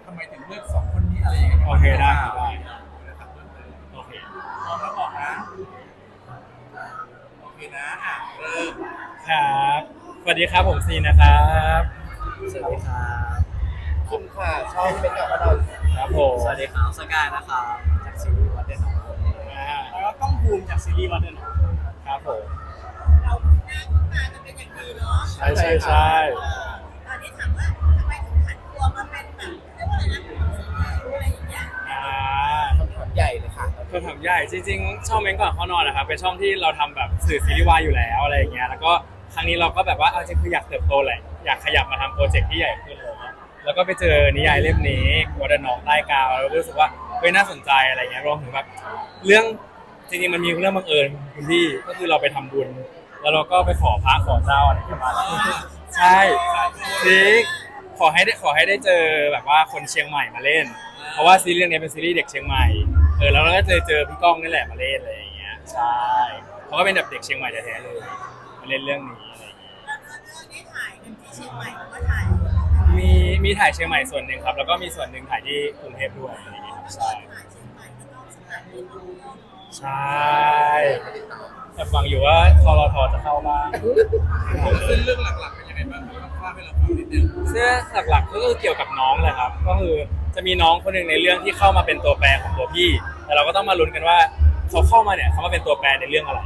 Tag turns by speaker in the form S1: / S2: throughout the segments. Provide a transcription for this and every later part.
S1: ำไมถึงเลือก2 คนนี้อะไรอย่างเงี้ย
S2: โอเคได้โอเค
S1: พร้อมแล้วบอกนะโอเคนะเริ่ม
S2: ครับสวัสดีครับผมซีนะครับ
S3: สวัสดีครับ
S1: คุณค่ะชอบเป็นกับเรา
S2: ครับผม
S3: สวัสดีครับสกายนะครับจากซีรีส์วัดเดนของ
S2: แล้วก็ต้องภูมิจากซีรีส์วันเดนครับผม
S4: เราหน้าคุ้นตากันเป็นอย่างดีเนาะ
S2: ใช่ใช่ใช่
S4: ตอนนี้ถามว่าทำไมถึงผันตัวมาเป็นแบบเรียกว่าอะไรนะอะไรอย่างเงี้ย
S1: คำถามใหญ่เลยค่ะ
S2: คำถามใหญ่จริงๆช่องเม้นก่อนเข้านอนนะครับเป็นช่องที่เราทำแบบสื่อซีรีส์วายอยู่แล้วอะไรอย่างเงี้ยแล้วก็ครั้งนี้เราก็แบบว่าเอาจริงคืออยากเติบโตแหละอยากขยับมาทำโปรเจกต์ที่ใหญ่ขึ้นเลยแล้วก็ไปเจอนิยายเล่มนี้วัดน้องใต้กาวแล้วรู้สึกว่าเฮ้ยน่าสนใจอะไรเงี้ยรวมถึงแบบเรื่องจริงๆมันมีเรื่องบังเอิญคุณพี่ก็คือเราไปทำบุญแล้วเราก็ไปขอพระขอเจ้าอะไรประมาณนั้นใช่จริงขอให้ได้เจอแบบว่าคนเชียงใหม่มาเล่นเพราะว่าซีรีส์นี้เป็นซีรีส์เด็กเชียงใหม่แล้วเราก็เจอพี่ก้องนี่แหละมาเล่นอะไรอย่างเงี้ยใช่เขาก็เป็นแบบเด็กเชียงใหม่แท้ๆเลยมาเล่นเรื่องนี้อะไรอย่างเงี้ย
S4: แล้วเรื่องนี้ถ่ายกันที่เชียงใหม่หรือว่าถ่าย
S2: มีถ่ายเชียงใหม่ส่วนหนึ่งครับแล้วก็มีส่วนหนึ่งถ่ายที่กรุงเทพด้วยอะไรอย่างเงี้ยครับใช่
S4: ถ่ายเชียงใหม่ก็ต้องสถานที่ท่องเที่ยวเนาะ
S2: ใช่แต่ฟังอยู่ว่าทรทจะเข้าบ้าง
S1: ซึ่งเรื่องหลักๆเป็นยังไงบ้างครับเล่าให้เราฟังนิดนึง
S2: เสื้อหลักๆก็คือเกี่ยวกับน้องเลยครับก็คือจะมีน้องคนหนึ่งในเรื่องที่เข้ามาเป็นตัวแปรของตัวพี่แต่เราก็ต้องมาลุ้นกันว่าเขาเข้ามาเนี่ยเขามาเป็นตัวแปรในเรื่องอะไร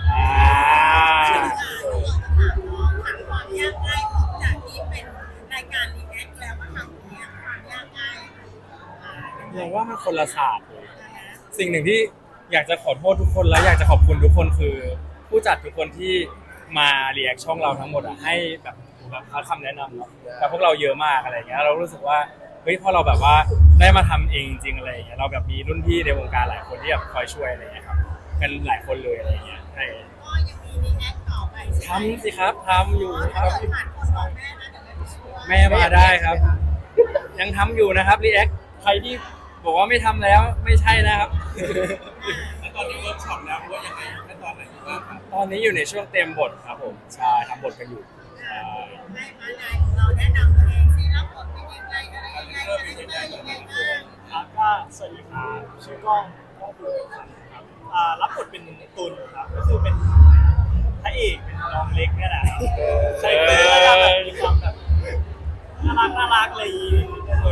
S4: ถามความยากง่ายของจากที่เป็นรายการรีแอคแล้วมาทำเนี่ยความยากง่าย
S2: เราว่ามันคนละศาสตร์เลยสิ่งหนึ่งที่อยากจะขอโทษทุกคนและอยากจะขอบคุณทุกคนคือผู้จัดทุกคนที่มารีแอคช่องเราทั้งหมดอ่ะให้แบบคำแนะนำเนาะกับพวกเราเยอะมากอะไรอย่างเงี้ยเรารู้สึกว่าเฮ้ยพอเราแบบว่าได้มาทำเองจริงๆอะไรอย่างเงี้ยเราแบบมีรุ่นพี่ในวงการหลายคนที่แบบคอยช่วยอะไรอย่างเงี้ยครับกันหลายคนเลยอะไรอย่างเงี้ยใช่
S4: ก็ยังมีรีแอคต่อไปใช่ไหม
S2: ทำสิครับทำอยู่ค
S4: ถ้า
S2: รับ
S4: เกิดผ่านคนบอกแม่นะเดี๋ยวแม่ไปช่วย
S2: แม่มาได้ครับ ยังทำอยู่นะครับรีแอคใครที่บอกว่าไม่ทำแล้วไม่ใช่นะครับ
S1: แล้วตอนนี้เวิร์กช็อปแล้วว่ายังไงขั้นตอนไหนบ้างครับ
S2: ตอนนี้อยู่ในช่วงเต็มบทครับผมใช่ทำบทกันอยู่ใช่
S4: ให้มานายของเราแนะนำตัวเองสิรับบทเป็นยังไงอะไรยังไงอะไรยังไงยังไงบ้าง
S5: ครับก็สวัสดีครับชื่อกล้องภูมิพันธ์ครับรับบทเป็นตุลครับก็คือเป็นพระเอกเป็นน้องเล็กเนี่ยแหละครับใช่เป็นก็จะแบบมีความแบบน่ารักอะไรอย่างงี้เลย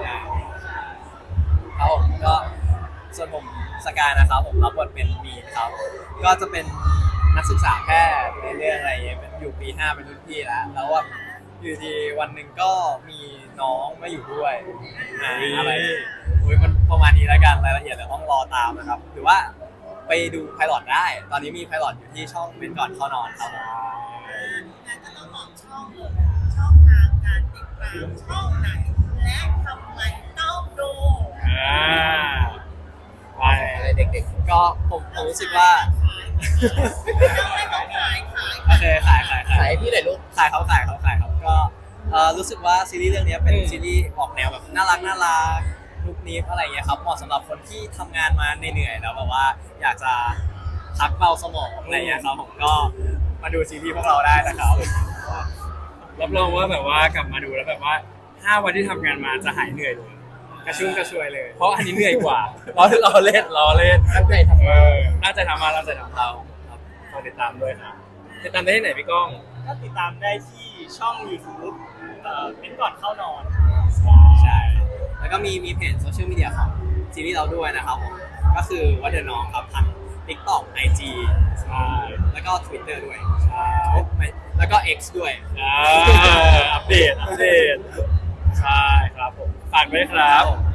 S3: ครับผมก็ส่วนผมสกายนะครับผมรับบทเป็นมีนครับก็จะเป็นนักศึกษาแพทย์ในเรื่องอะไรอย่างเงี้ยเป็นอยู่ปี 5เป็นรุ่นพี่แล้วแบบอยู่ดีวันหนึ่งก็มีน้องมาอยู่ด้วยอะไรมันประมาณนี้แล้วกันรายละเอียดเดี๋ยวต้องรอตามนะครับหรือว่าไปดูไพลอตได้ตอนนี้มีไพลอตอยู่ที่ช่องเป็นก่อนเข้านอนครับ
S4: งานก็ต้องบอกช่องเลยช่องทางการติดตามช่องไหนและทำไมต้องดู
S2: ไป
S3: อะไรเด็กๆก็ผมรู้สึกว่า
S4: ไม่ต้องขาย
S3: โอเคขาย
S1: ขายพี่หน่อยลูก
S3: ขายเขาก็รู้สึกว่าซีรีส์เรื่องนี้เป็นซีรีส์ออกแนวแบบน่ารักนุกนิกอะไรเงี้ยครับเหมาะสำหรับคนที่ทำงานมาเหนื่อยแล้วแบบว่าอยากจะพักเบาสมองอะไรเงี้ยครับผมก็มาดูซีรีส์พวกเราได้นะครับ
S2: รับรองว่าแบบว่ากลับมาดูแล้วแบบว่า5 วันที่ทำงานมาจะหายเหนื่อยเลยกระชุ่มกระชวยเลย เพราะอันนี้เหนื่อยกว่าล้อเล่นตั้งใจทำน่าจะทำมาเราจะทำเราครับฝากติดตามด้วยครับติดตามได้ที่ไหนพี่ก้อง
S5: ก็ติดตามได้ที่ช่อง YouTube เป็นก่อนเข้านอน
S3: ใช่แล้วก็มีเพจโซเชียลมีเดียของซีรีส์เราด้วยนะครับผมก็คือว่าเดอะน้องครับทั้ง TikTok IG
S2: ใช่
S3: แล้วก็ Twitter ด้วย
S2: ใช่
S3: แล้วก็ X ด้วย
S2: อัปเดตใช่ครับผมฝากด้วยครับ